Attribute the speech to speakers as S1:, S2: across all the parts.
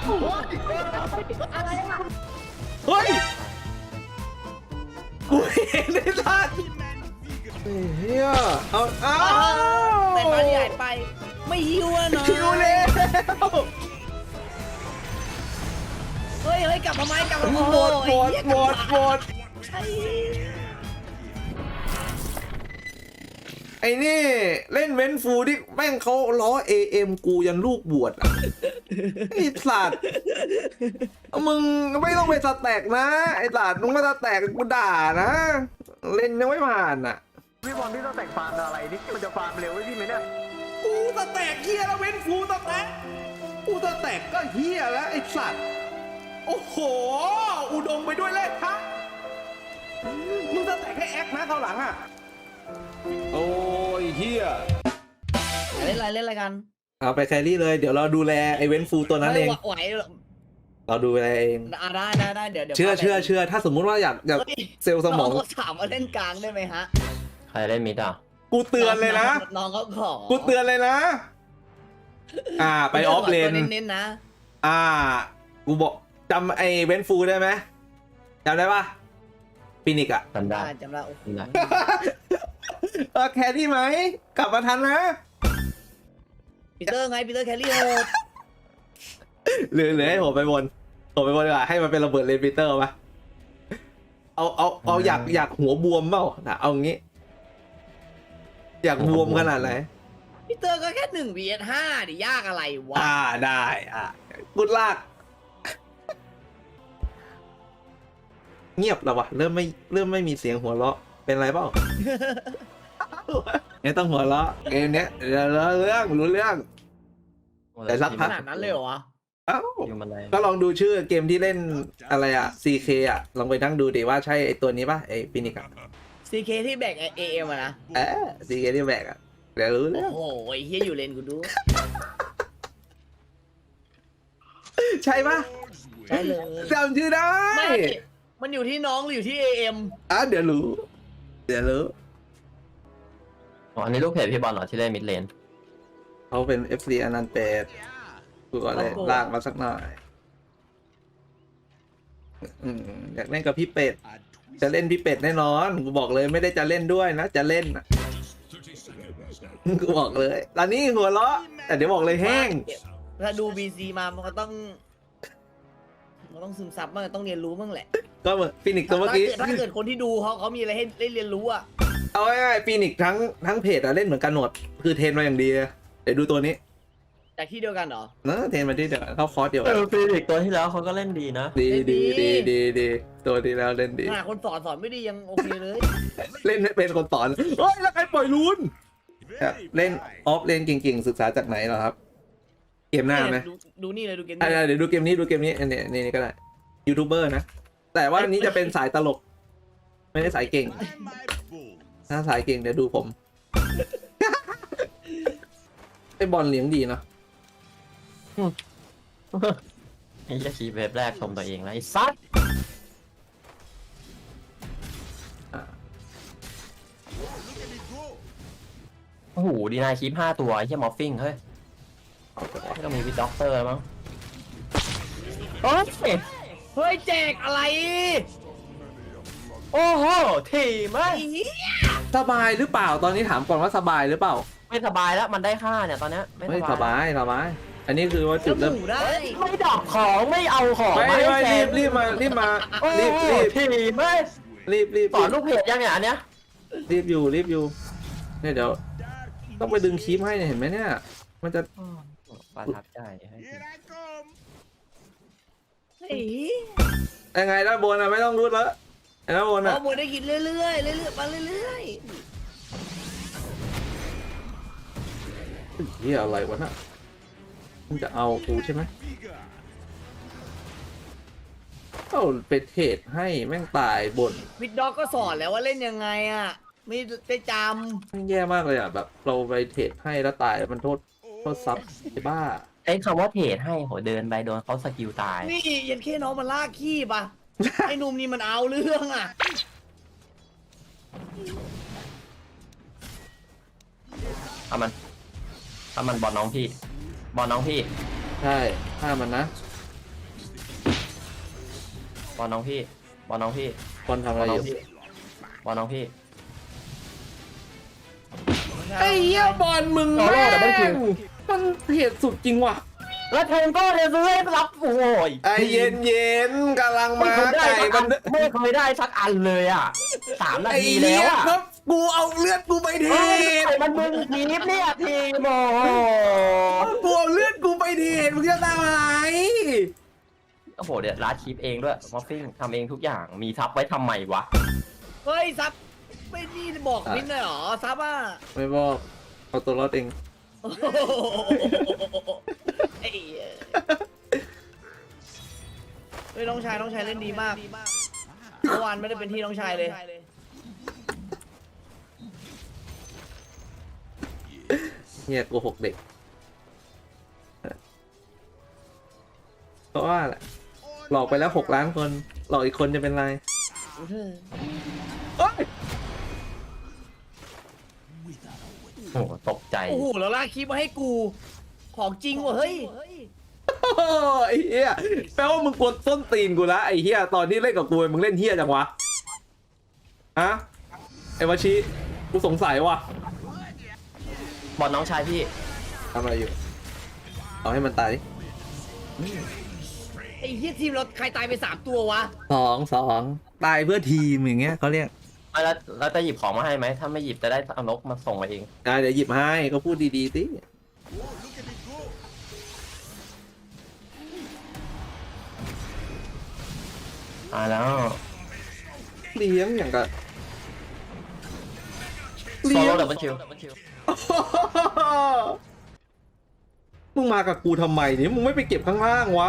S1: อะไรอะ
S2: เฮ้ยกูเห็นได้ทันเฮียเอา
S1: แต่มาที่หายไปไม่หิวอะเนาะ
S2: คิวเลย
S1: เฮ้ยกลับมาไหมกลับมา
S2: หมด
S1: ไอ้
S2: ไอ้นี่เล่นเว้นฟูที่แม่งเขาล้อ AM กูยันลูกบวชอ่ะไอ้สัตว์มึงไม่ต้องไปสแต็กนะไอ้สัตว์มึงมาสแต็กกูด่านะเล่นยังไม่ผ่านอ่ะ
S3: พี่บอลพี่ต้องแต่งฟาร์มอะไรนี่มันจะฟาร์มเร็วไว้พี่ไหมเนี่ย
S2: กูสแต็กเฮียแล้วเว้นฟูสแต็กกูสแต็กก็เฮียแล้วไอ้สัตว์โอ้โหอุดมไปด้วยเลขครับมึงสแต็กให้แอคนะเขาหลังอ่ะโอ้ยเฮีย
S1: เล่นอะไรกัน
S2: เอาไปแครี่เลยเดี๋ยวเราดูแลไอ้เว้นฟูตัวนั้นเอง
S1: ไหว
S2: เราดูแลเอง
S1: ได้เดี๋ยว
S2: เชื่อถ้าสมมุติว่าอยากเซลล์สมอง
S1: เขาถามว่าเล่นกลางได้ไหมฮะ
S4: ใครเล่นมิดอ่ะ
S2: กูเตือนเลยนะ
S1: น้องเขาขอ
S2: กูเตือนเลยนะ ไปออฟเลน
S1: เน้นๆนะ
S2: กูบอกจำไอ้เว้นฟูได้ไหมจำได้ปะฟินิกอะ
S4: จำได้
S1: จำได้โอ้โห
S4: จำได้
S2: แครี่ไหมกลับมาทันนะ
S1: ปีเตอร์แคลรี่โหด
S2: หรือให้ผมไปบนดีกว่าให้มันเป็นระเบิดเลนปีเตอร์ปะเอาอยากหัวบวมเปล่าเอางี้ อยากบวมขนาดไหน
S1: ปีเตอร์ก็แค่1 vs 5ดิยากอะไรวะ
S2: ได้กุดลาก เงียบแล้ววะเริ่มไม่มีเสียงหัวเราะเป็นไรเปล่า เนี่ยต้องหัวเราะเกมเนี้ยรู้เรื่อง แต่สักพั
S1: ขนาดนั้นเลยเหรอวะ
S2: เอ้า
S4: อยู่มันอะไร
S2: ก็ลองดูชื่อเกมที่เล่นอะไรอะ CK อะลองไปนั่งดูดิว่าใช่ไอตัวนี้ป่ะไอฟินิกอะ
S1: CK ที่แบกAM อะนะ
S2: CK ที่แบกอะเดี๋ยวรู้เรื่อง
S1: โอ้โหไอ้เฮียอยู่เลนกูดู
S2: ใช่ป่ะ
S1: ใช่เลย
S2: จำชื่อได้
S1: ไม่มันอยู่ที่น้องหรืออยู่ที่ AM
S2: เดี๋ยวรู้
S4: อ๋ออันนี้ลูกเพจพี่บอลเหรอที่เล่นมิดเลน
S2: เขาเป็น FC อนันต์เป็ดกูก็เลยลากมาสักหน่อยอยากเล่นกับพี่เป็ด จะเล่นพี่เป็ดแน่นอน กูบอกเลยไม่ได้จะเล่นด้วยนะ จะเล่นนะกูบอกเลย ตอนนี้หัวเราะแต่เดี๋ยวบอกเลยแห้ง
S1: ถ้าดู BC มามันก็ต้องซึมซับบ้างต้องเรียนรู้บ้างแหละ
S2: ก็เหมือนฟินิกตัวเมื่อกี้
S1: ถ้าเกิดคนที่ดูเขามีอะไรให้ได้เรียนรู้อะ
S2: เอาง่ายๆฟินิกทั้งเพจอะเล่นเหมือนกันหมดคือเทรนมาอย่างดีอะเดี๋ยวดูตัวนี้
S1: จากที่เดียวกันเหรอ
S2: นะเทรนมาที่เดียวกันเข้าคอร์สเดียวกัน
S4: ฟีนิกตัวที่แล้วเขาก็เล่นดีนะ
S2: ดีตัวดีแล้วเล่นดี
S1: ขนาดคนสอนไม่ดียังโอเคเลย
S2: เล่นไม่เป็นคนสอนเฮ้ยแล้วใครปล่อยลูนเล่นออฟเล่นเก่งๆศึกษาจากไหนเหรอครับ เกมหน้าไหม
S1: ดูนี่เลยดูเกม
S2: เดี๋ยวดูเกมนี้อันนี้ก็ได้ยูทูบเบอร์นะแต่ว่าอันนี้จะเป็นสายตลก ไม่ได้สายเก่ง ถ้าสายเก่งเดี๋ยวดูผม ไอ้บอลเลี้ยงดีเนาะ
S4: ไอ้ชี้เว็บแรกชมตัวเองแล้วไอ้ซัดโอ้โหดีนายคลิป5 ตัวไอ้เหี้ยมอฟฟิงเฮ้ยไม่ต้องมีวิดด็อกเตอร์แล้วมั้งโอ้ย
S1: เฮ้ยแจกอะไร
S4: โอ้โหทีม
S1: ไอ้
S4: เอ้ย
S1: เหี้ย
S2: สบายหรือเปล่าตอนนี้ถามก่อนว่าสบายหรือเปล่า
S4: ไม่สบายแล้วมันได้ค่าเนี่ยตอนเนี้ยไม่
S2: ไม่
S4: ส
S2: ส
S4: บาย
S2: บายอันนี้คือว่าจุด
S1: แล้
S2: เริ่
S1: ว
S2: ม
S1: หมูได้
S4: ไม่ดอกของไม่เอาของ
S2: ไม่
S4: ให้แจก
S2: รีบมา
S4: โอ้โห
S2: รีบ
S4: ทีมเอ้ย สอนลูกเพจยังเนี่ยอันเนี้ย
S2: รีบอยู่เนี่ยเดี๋ยวต้องไปดึงคลิปให้เนี่ยเห็นไหมเนี่ย มันจะ
S4: ประทับใจให้ทีม
S1: ไอ้เหี้ย
S2: ยังไงด้านบนอะไม่ต้องรุดแล้วด้านบนอะ
S1: เอาหมูได้กินเรื่อยๆมาเรื่อย
S2: เฮียอะไรวะน่ะมึงจะเอากูใช่ไหมเอาไปเทรดให้แม่งตายบน
S1: ๆวิดด็อกก็สอนแล้วว่าเล่นยังไงอะไม่ได้จ
S2: แม่งแย่มากเลยอ่ะแบบเราไปเทรดให้แล้วตายมันโทษซับไอ้บ้า
S4: ไอ้คำว่าเทรดให้โหเดินไปโดนเขาสกิลตาย
S1: ำนี่ยันแค่น้องมันลากขี้ปะ ไอ้หนุ่มนี่มันเอาเรื่องอะ
S4: ถ้ามันบอลน้องพี่
S2: ใช่ฆ่ามันนะ
S4: บอลน้องพี่บอลน้องพี่
S2: บอลทำ
S4: บ
S2: อะ
S4: อล
S2: ไร
S4: น้
S2: อ
S4: อง
S2: ยู่
S4: พี่บอลน้องพี่
S2: ไอ้เหี้ยบอลมึง
S4: โอ้โห
S2: แม่
S4: แต่ไม่จริ
S2: ง
S4: ง
S2: มันเหตุสุดจริงว่ะ
S4: แล้วเทนก็เทซื้อให้รับโอ้ย
S2: ไอ้เย็นๆกำลัง
S4: ไม่
S2: มา
S4: เคยได้
S2: ไก่
S4: สัก
S2: มั
S4: อั
S2: น
S4: นไม่เคยได้สักอันเลยอ่ะ3 นา
S2: ไอ้
S4: ที
S2: เหี้
S4: แล้
S2: ยว
S4: อ่ะ
S2: ครับกูเอาเลือดกูไปเท
S4: เฮ้ยมันมึงทีมเนี่ยทีมโอ้โห
S2: กูเอาเลือดกูไปเทมึงจะทำอะไร
S4: โอ้โหเดี๋ยวร้านคลิปเองด้วยมอฟฟิ้งทำเองทุกอย่างมีทับไว้ทำไมวะ
S1: เฮ้ยซับไม่นี่บอกมินเลยเหรอซับอ่ะ
S2: ไม่บอกเอาตัวรอดเอง
S1: โอ้โหไอ้เหี้ยเฮ้ยน้องชายเล่นดีมากเมื่อวานไม่ได้เป็นที่น้องชายเลย
S2: เฮียโกหกเด็กเพราะว่าแหละหลอกไปแล้ว6 ล้านคนหลอกอีกคนจะเป็นไรเอ้ย
S4: โอ้โหตกใจ
S1: โอ้โหแล้วลากคลิปมาให้กูของจริงว่ะเฮ้ย
S2: โอ้ไอ้เฮียแปลว่ามึงกดต้นตีนกูละไอ้เฮียตอนที่เล่นกับกูมึงเล่นเฮียจังวะอะไอ้วาชิกูสงสัยว่ะ
S4: บอลน้องชายพี่
S2: ทำอะไรอยู่เอาให้มันตายดิ
S1: ไอ้เหี้ยทีมเราใครตายไป3 ตัววะ
S2: สองตายเพื่อทีมอย่างเงี้ยเขาเรียก
S4: แล้วจะหยิบของมาให้ไหมถ้าไม่หยิบจะได้เอานกมาส่งมาเอง
S2: เดี๋ยวหยิบให้ก็พูดดีๆสิ
S4: แล้ว
S2: เลี้ยงอย่างกับ
S4: โซ
S2: เลี้ย
S4: โล่
S2: ง
S4: ดับเบิลคิว
S2: มึงมากับกูทำไมเนี่ยมึงไม่ไปเก็บข้างล่างวะ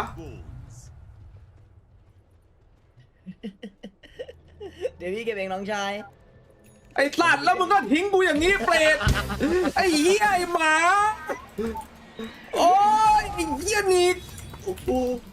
S1: เดี๋ยวพี่เก็บเองน้องชาย
S2: ไอ้สัตว์แล้วมึงก็ทิ้งกูอย่างนี้เปรตไอ้เหี้ยไอ้หมาโอ้ยไอ้เหี้ยนี่โอ้โห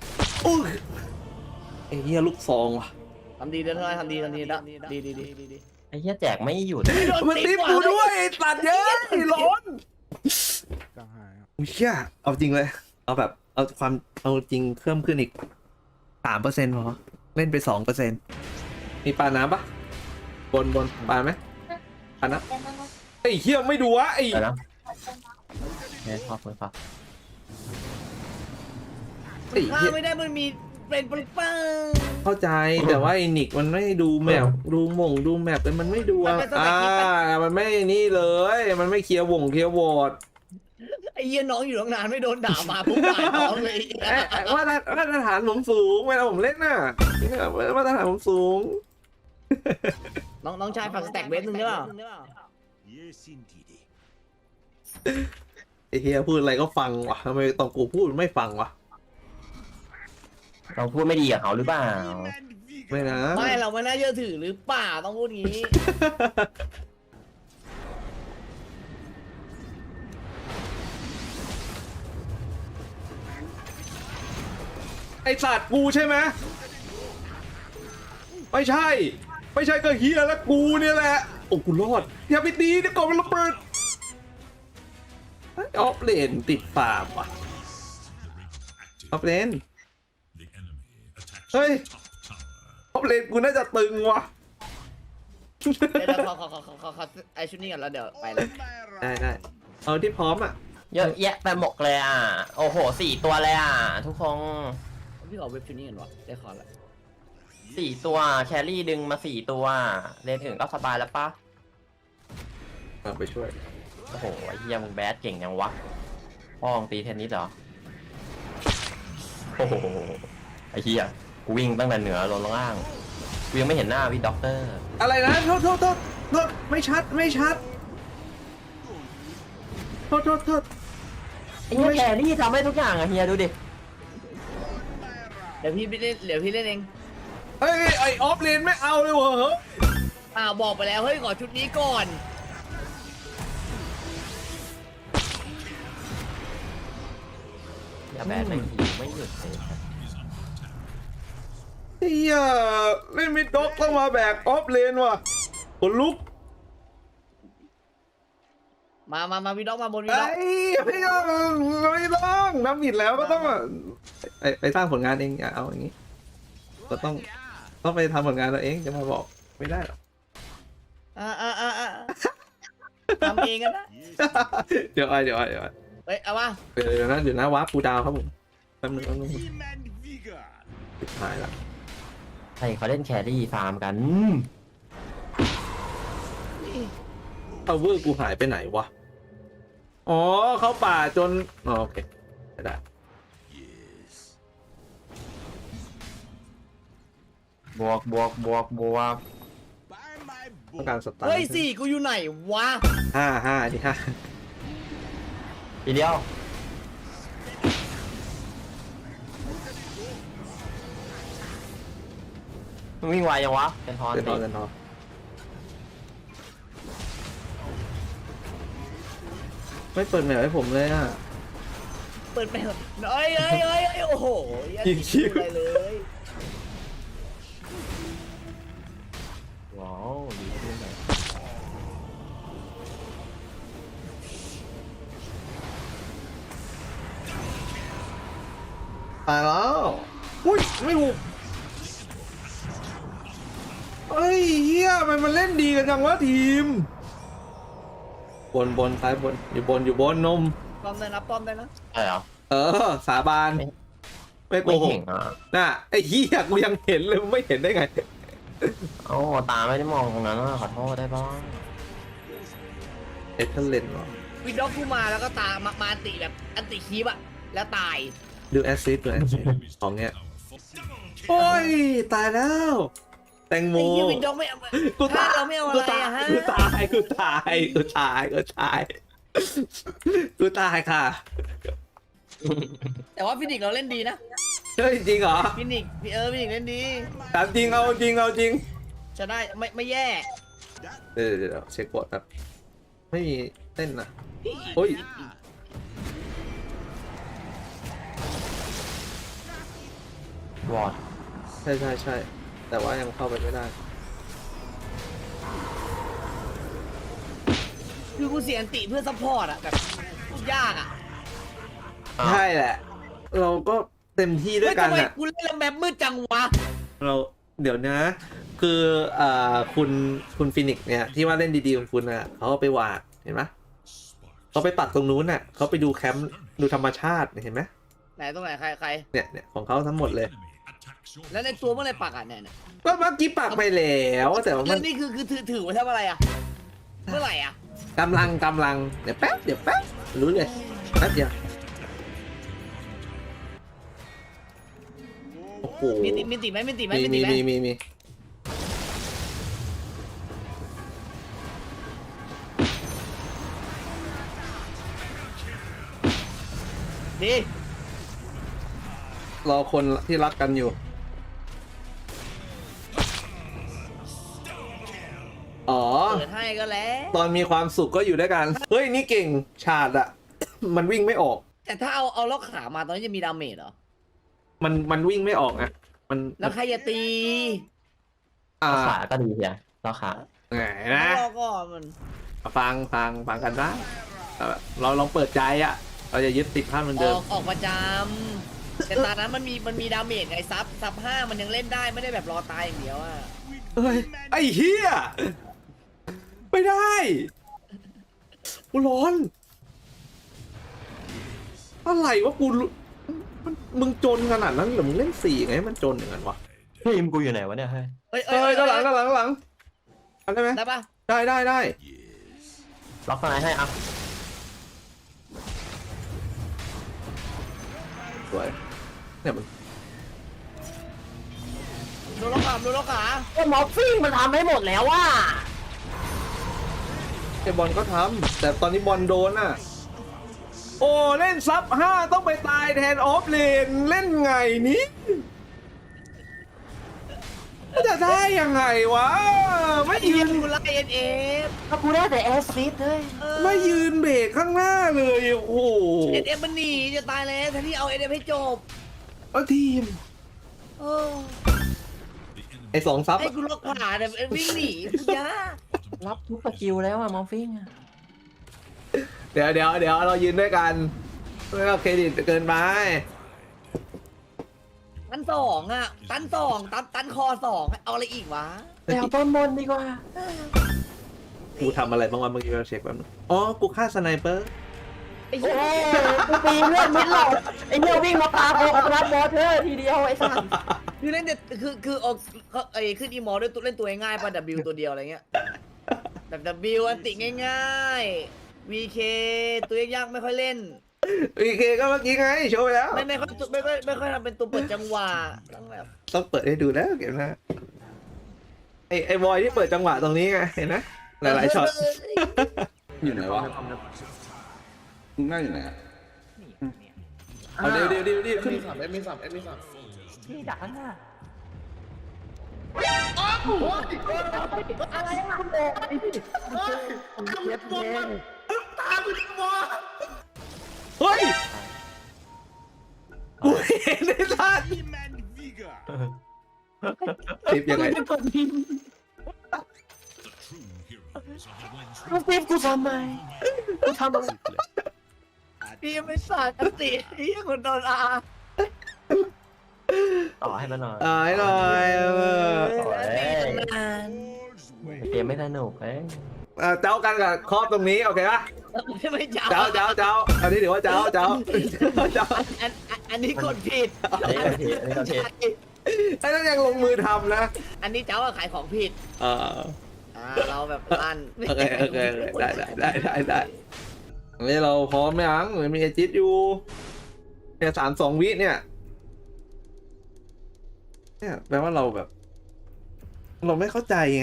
S2: ไอ้เหี้ยลูกซองว่ะ
S1: ทำดีเด้อทำดีละดี
S4: ไอ้เหี้ยแจกไม่หยุด
S2: มันตีกูด้วยไอ้สัตว์เยอะไอ้ร้อนอุ้ยเชี่ยเอาจริงเลยเอาแบบเอาจริงเพิ่มขึ้นอีก3%พอเล่นไป2%มีปลาน้ำปะบนปลาไหมปลาน้ำไอ้เหี้ยไม่ดูวะไอ้
S4: ไปนะเนี่ยขอบคุณครับ
S2: ไอ้
S1: ถ้า
S2: เหี้ย
S1: ไม่ได้มันมีเป็นปึ้งปัง
S2: เข้าใจแต่ว่าไอ้นิกมันไม่ดูแมปดูแมปแต่มันไม่ดูมันไม่นี่เลยมันไม่เคลียร์วอร์ด
S1: ไอ้เหี้ยน้องอยู่ตั้งนานไม่โดนด่ามาปุ๊บด่าน้องเลย
S2: ว่ามาตรฐานผมสูงเวลาผมเล่นน่ะมาตรฐานผมสูง
S1: น้องชายฝากสแต็กเบสนึงได้เปล่า
S2: ไอ้เฮียพูดอะไรก็ฟังวะทำไมตอนกูพูดไม่ฟังวะ
S4: เราพูดไม่ดีกับเขาหรือเปล่า
S2: ไม่นะ
S1: ไม่เราไม่น่าเชื่อถือหรือเปล่าต้องพูดงี้
S2: ไอสัตว์กูใช่ไหมไม่ใช่ก็เฮียแล้วกูเนี่ยแหละโอ้กูรอดอย่าไปตีเดี๋ยวก่อนมันระเบิดออฟเลนติดปากว่ะออฟเลนเฮ้ยออฟเลนกูน่าจะตึงว่ะ
S1: เดี๋ยวขอไอชุดนี้ก่อนแล้วเดี๋ยวไปเลย
S2: ได้เอาที่พร้อมอ่ะ
S4: เยอะแยะไปหมดเลยอ่ะโอ้โห4 ตัวเลยอ่ะทุกคน
S1: พี่ขอเว็บชุดนี้ก่อนวะได้ขอละ
S4: 4 ตัวแครี่ดึงมา4 ตัวเล่นถึงก็สบายแล้วปะ
S2: เอาไปช่วย
S4: โอ้โหไอ้เหี้ยมึงแบดเก่งยังวะพ่อมึงตีเทนนิสเหรอโอ้โหไอ้เหี้ยกูวิ่งตั้งแต่เหนือลงล่างกูยังไม่เห็นหน้าพี่ด็อกเตอร์
S2: อะไรนะโทษไม่ชัดโทษ
S4: ไอ้เหี้ยแครี่ทำให้ทุกอย่างอะเฮียดูดิ
S1: เดี๋ยวพี่เล่นเอง
S2: เฮ้ยไอออฟเลนไม่เอาเลยเหรอ
S1: บอกไปแล้วเฮ้ยขอชุดนี้ก่อน
S4: อย่าแบดไม่หิวไม่หยุดเลย
S2: เฮียเล่นมิดด็อกต้องมาแบกออฟเลนว่ะขนลุก
S1: มาวีด็อกมาบนวี
S2: ไอ้
S1: ด็อก
S2: ไม่ต้องน้ำบิดแล้วก็ต้องไปสร้างผลงานเองอย่าเอาอย่างนี้ก็ต้องต้องไปทำผลงานตัวเองจะมาบอกไม่ได้หรอก
S1: ทำเองกันนะ
S2: เดี๋ยวเดี๋ยว
S1: เฮ้ยเอาวะ
S2: เดี๋ยวนะวาร์ปกูดาวครับผมแป๊บนึงสุดท้ายละ
S4: ใช่เขาเล่นแครี่ฟาร์มกัน
S2: เอาเวอร์กูหายไปไหนวะอ๋อเข้าป่าจนอ๋อโอเคได้
S4: บวก
S2: ต้องการสตาร์
S1: เฮ้ยสี่กูอยู่ไหนวะ
S2: ห้าที่ห้า
S4: ทีเดียวมึงวิ่งไวยังวะเป็นทอน
S2: เดิน
S4: สิ
S2: เดินทอไม่เปิดแมวให้ผมเลยอ่ะ
S1: เปิดไปเถอะเอ้ยโอ้โห
S2: ยิงคิว
S1: อะไรเลย
S4: ว้าวดีขึ้นเลย
S2: ตายแล้วอุ้ยไม่ถูกเฮ้ยเฮียมันเล่นดีกันจังวะทีมบนซ้ายบนอยู่บนนม
S1: ป้อมได้นะป้อมได้นะ
S4: ใช่เหรอ
S2: สาบานไม่โก
S4: ไม่
S2: หก
S4: เห็นอ่ะ
S2: น่ะไอ้เฮียกูยังเห็นเลยมึงไม่เห็นได้ไง
S4: เอ้าตาไม่ได้มองตรงนั้นอ่ะขอโทษได้บ้าง
S2: เอเทเลนเหรอ
S1: วิดด็อกกูมาแล้วก็ตามมาอันติแบบอันติคีบอะแล้วตาย
S2: ดูแอสซิสของเงี้ยโอ้ยตายแล้วแตงโม
S1: ไอ้ยี่วิดด็อกไม่เอา
S2: กู
S1: ถ้า
S2: ตาย
S1: เราไม่เอาอะไรอะฮะ
S2: กูตายค่ะ
S1: แต่ว่าฟินิกเราเล่นดีนะ
S2: เฮ้ยจริงเหรอ
S1: ฟินิกฟินิกเล่นดี
S2: ถามจริงเอาจริง
S1: จะได้ไม่แย่
S2: เดี๋ยวเช็คบอร์ดแบบไม่มีเต้นนะโอ้ย
S4: วอด
S2: ใช่แต่ว่ายังเข้าไปไม่ได้
S1: คือกูเสียอันติเพื่อซัพพอร์ตอะแบบยากอะ
S2: ใช่แหละ เราก็เต็มที่ด้วยกัน
S1: ทำไม
S2: อ่ะ
S1: กูเล่นแล้วแมปมืดจังวะ
S2: เราเดี๋ยวนะ คือคุณฟินิกซ์เนี่ยที่ว่าเล่นดีๆของคุณอ่ะเขาเอาไปวาดเห็นไหมเขาไปปักตรงนู้นน่ะเขาไปดูแคมป์ดูธรรมชาติเห็นไหม
S1: ไหนตรงไหนใคร
S2: เนี่ยของเขาทั้งหมดเลย
S1: แล้วในตัวเมื่อไรปักอ่ะเนี่ย
S2: ก็เมื่อกี้ปักไปแล้วแต่ว่า
S1: แล้
S2: มั
S1: วน นี่คือถือไว้ทำอะไรอ่ะเมื่อไหร่อ่ะ
S2: กำลังเดี๋ยวแป๊บรู้เลยแป๊บเดียวโอ้โห
S1: มีติไหม
S2: มี
S1: ดี
S2: รอคนที่รักกันอยู่อ๋อ
S1: เปิดให้ก็แล้ว
S2: ตอนมีความสุขก็อยู่ด้วยกัน เฮ้ย นี่เก่งฉาดอะ มันวิ่งไม่ออก
S1: แต่ถ้าเอาล็อกขามาตอนนี้จะมีดาเมจเหรอ
S2: มันวิ่งไม่ออกอะมัน
S1: แล้วใครจะตี
S4: ขาก็ดีเฮียเราขา
S2: ไงนะ
S1: รอก่อนมัน
S2: ฟังกันนะเราลองเปิดใจอะเราจะยึดติดภาพเหมือนเดิม
S1: ออกประจำแต่ตอนนั้นมันมีดาเมจไงซับ5มันยังเล่นได้ไม่ได้แบบรอตายอย่างเดียวอ่ะ
S2: เฮ้ย ไอ้เหี้ย ไม่ได้ กูร้อน อะไรวะกูมึงจนขนาดนั้นเหรอมึงเล่น4ไงมันจนอย่างนั้นวะ
S4: ทีมกูอยู่ไหนวะเนี่ยเฮ้ย
S1: เอ้ย
S2: ด้านหลังทำได้ไหม
S1: ได้ปะ
S2: ได้
S4: ล็อกสไนให้อ่ะ
S2: สวยเนี่ยมัน
S1: โดนล็อกขา
S4: ไอ้มอฟฟิ้งมันทำให้หมดแล้วว่ะ
S2: ไอบอลก็ทำแต่ตอนนี้บอลโดนอ่ะ โอ้เล่นซับ5ต้องไปตายแทนออฟเลนเล่นไงนี้จะได้ยังไงวะ ไม่ยืน
S1: กูไล่เอฟ
S4: ถ้ากูได้แต่แอสซิสเลย
S2: ไม่ยืนเบรกข้างหน้าเลยโอ้โห
S1: เอฟมันหนีจะตายแล้วแทนที่เอาเอฟให้จบ
S2: แล้วทีม
S1: เออ
S2: ไอ2ซับ
S1: ให้กูล็อกขาแต่วิ่งหนีกูยาก
S4: รับทุกสกิลแล้วอะมอฟฟิ้งอะ
S2: เดี๋ยวเรายืนด้วยกันไม่เอาเครดิตเกินไป
S1: ตันสองอ่ะตันสองตันคอสองเอาอะไรอีกวะ
S4: ไปเอาต้นบนดีกว่า
S2: กูทำอะไรบ้างวะเมื่อกี้เราเช็คแป๊บนึงอ๋อกูฆ่าสไนเปอร์
S1: ไอ้
S4: โอ้
S1: เหี้ย
S4: ยกูปีนเลือดมิดหลอดไอ้เหี้ยวิ่งมาปาโกอัตลักษณ์บอสเธอทีเดียวไอ้สัส
S1: คือเล่นเด็ดคือออกไอ้ขึ้นอีมอด้วยตัวเล่นตัวง่ายๆป่ะ W ตัวเดียวอะไรเงี้ยแบบ W อันติง่ายๆ VK ตัวยากๆไม่ค่อยเล่น
S2: โอเคก็เมื่อกี้ไงโชว์ไปแล้ว
S1: ไม่ค่อยทำเป็นตัวเปิดจังหวะต้องแบบ
S2: ต้องเปิดให้ดูแล้วเก็บนะไอ้บอยที่เปิดจังหวะตรงนี้ไงเห็นไหมหลายๆช็อต
S5: อยู่ไหนวะมึงนั่งอยู่ไหนอะเอาเดี๋ยวขึ้นสับเอ็มสับ
S4: พี่ดักข้างหน้า
S2: เฮ้ยกูเห็นไอ้สัตว์คลิปยังไง
S4: ลูกปี๊บกูทำไมกูทำอะไร
S1: พี่ยังไม่สาดอันติพี่ยังคนโดนอา
S4: ต่อให้มันหน่อย
S2: ให้หน่อย
S1: นาน
S4: เกมไม่สนุกเอ้ย
S2: เจ้ากันกับครอบตรงนี้โอเคปะ
S1: ไม่จ้า
S2: เจ้าอันนี้ถือว่าเจ้า
S1: อันนี้กดผิด
S4: อันนี้ก็ผิดอันนี้ก็ผิด
S2: ไอ้นั่นยังลงมือทำนะ
S1: อันนี้เจ้าขายของผิด เราแบบลั่น
S2: โอเคได้นี่เราพร้อมไหมยังมีไอจิตอยู่เนี่ย32 วิเนี่ยแปลว่าเราแบบ เราไม่เข้าใจไง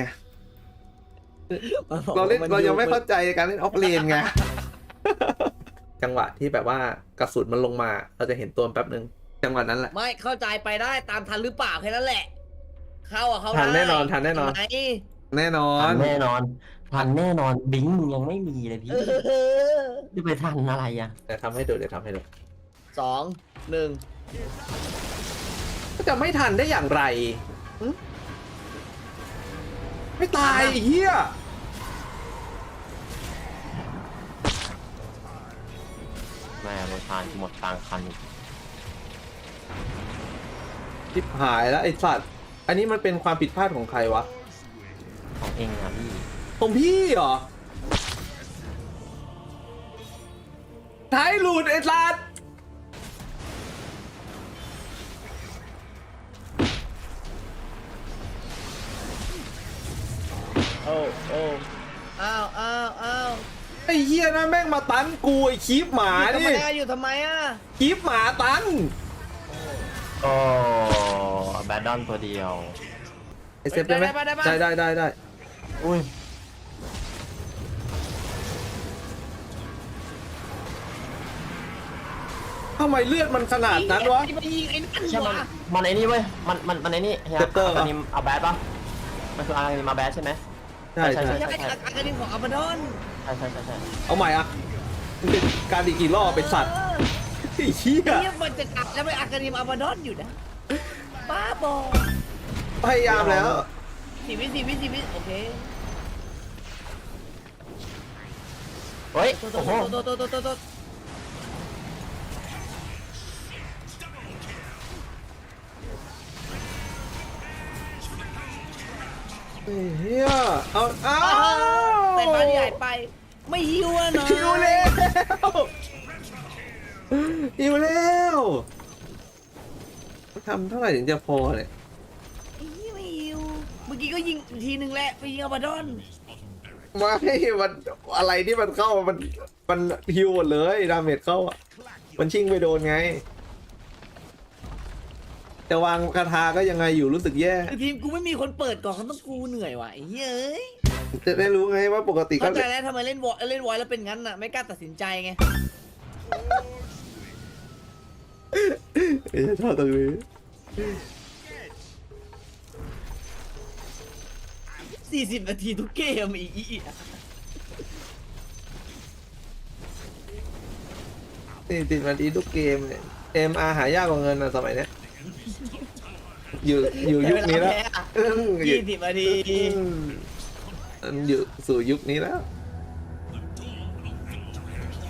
S2: เรายังไม่เข้าใจการเล่นออฟเลนไง จังหวะที่แบบว่ากระสุนมันลงมาเราจะเห็นตัวแป๊บนึงจังหวะนั้นแหละ
S1: ไม่เข้าใจไปได้ตามทันหรือเปล่าแค่นั้นแหละ เข้าได้
S2: ทันแน่นอน
S1: ทำไม
S2: แน่นอน
S4: ทันแน่นอนบิงมึงยังไม่มีเลยพี่จะไปทันอะไรอ่ะ
S2: เดี๋ยวทำให้ดู
S1: 2 1
S2: จะไม่ทันได้อย่างไรไม่ตายเฮีย
S4: แม่โรทานหมดกลางคัน
S2: ชิบหายแล้วไอ้สัตว์อันนี้มันเป็นความผิดพลาดของใครวะ
S4: ของเองอ่ะพี่
S2: ของพี่เหรอท้ายหลุดไอ้สัตว์
S1: โอ้อ้าว
S2: ไอ้เฮียนะแม่งมาตันกูไอ้คีบหมา
S1: ทำ
S2: นี่
S1: ไมอยู่ทำไมอ่ะ
S2: คีบหมาตัน
S4: โอ้แบดดอนตัวเดียว
S2: ไอ้เซฟได้ไหมได้
S4: อุ้ย
S2: ทำไมเลือดมันขนาดนั้นวะ
S1: ไปยิงไอ้นั่น
S4: ใช่มัน
S1: วะ
S4: มันไอ้นี่เว้ยมันไอ้นี่เฮีย
S2: เซปเตอร์
S4: อันนี้เอาแบดปะมันคืออะไรมาแบดใช่ไหม
S2: ใช่
S4: ใช่
S1: ไม่ใช่อาการดินของอัลบาดอน
S4: ใช่
S2: เอาใหม่อ่ะมันเป็นการดีกี่รอบเป็นสัตว์ไอ้เหี้ย
S1: นี่มันจะอัดแล้วไปอาการดินอัลบาดอนอยู่นะบ้าบอ
S2: พยายามแล้ว
S1: 4 วิโอเค
S4: เฮ้ย
S1: โต
S4: โอ้โห
S2: เฮียเอา
S1: แต่บ้านใหญ่ไป ไม่หิวอะเนาะ
S2: หิวแล้วทำเท่าไหร่ถึงจะพอเนี่ย
S1: ไม่หิวเมื่อกี้ก็ยิงทีนึงแหละไปยิงอัลบาดอน
S2: ไม่มันอะไรที่มันเข้ามันฮิวหมดเลยดาเมจเข้าอ่ะมันชิงไปโดนไงจะวางคาถาก็ยังไงอยู่รู้สึกแย่
S1: คือทีมกูไม่มีคนเปิดก่อนเขาต้องกูเหนื่อยว่ะไอ้เฮ้ย
S2: จะได้รู้ไงว่าปกติก็
S1: เข้าใจแล้วทำไมเล่นวอยแล้วเป็นงั้นน่ะไม่กล้าตัดสินใจไง
S2: ชอบตรงนี้
S1: 40 นาทีทุกเกมอีก
S2: ติดมาดีทุกเกมเนี่ยMR หายากกว่าเงินนะสมัยเนี้ยอยู่ยุคนี้แล้ว
S1: 20 นาที
S2: อยู่สู่ยุคนี้แล้ว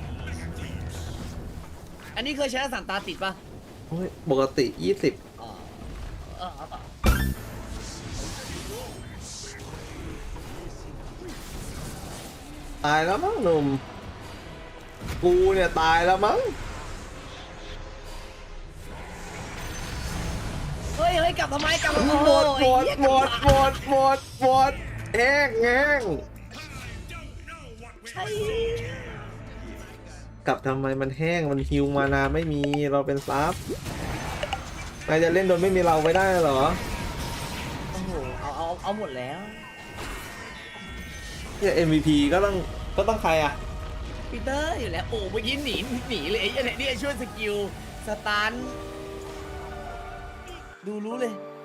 S1: อันนี้เคยชนะ3 ตาติดป่ะ
S2: ปกติ20
S1: อ๋อ
S2: ตายแล้วมั้งหนุ่มกูเนี่ยตายแล้วมั้ง
S1: เฮ้ยกลับทำไมกลับมา
S2: หมดหมดหมดหมดหมดหมดแห้งแห้ง
S1: ใช่
S2: กลับทำไมมันแห้งมันฮิวมานาไม่มีเราเป็นซับนายจะเล่นโดยไม่มีเราไปได้เหรอ
S1: โอ้โหเอาหมดแล้ว
S2: เนี่ย MVP ก็ต้องใครอ่ะ
S1: ปีเตอร์อยู่แล้วโอ้เมื่อกี้หนีเลยไอ้เนี่ยช่วยสกิลสตันดูรู้เลย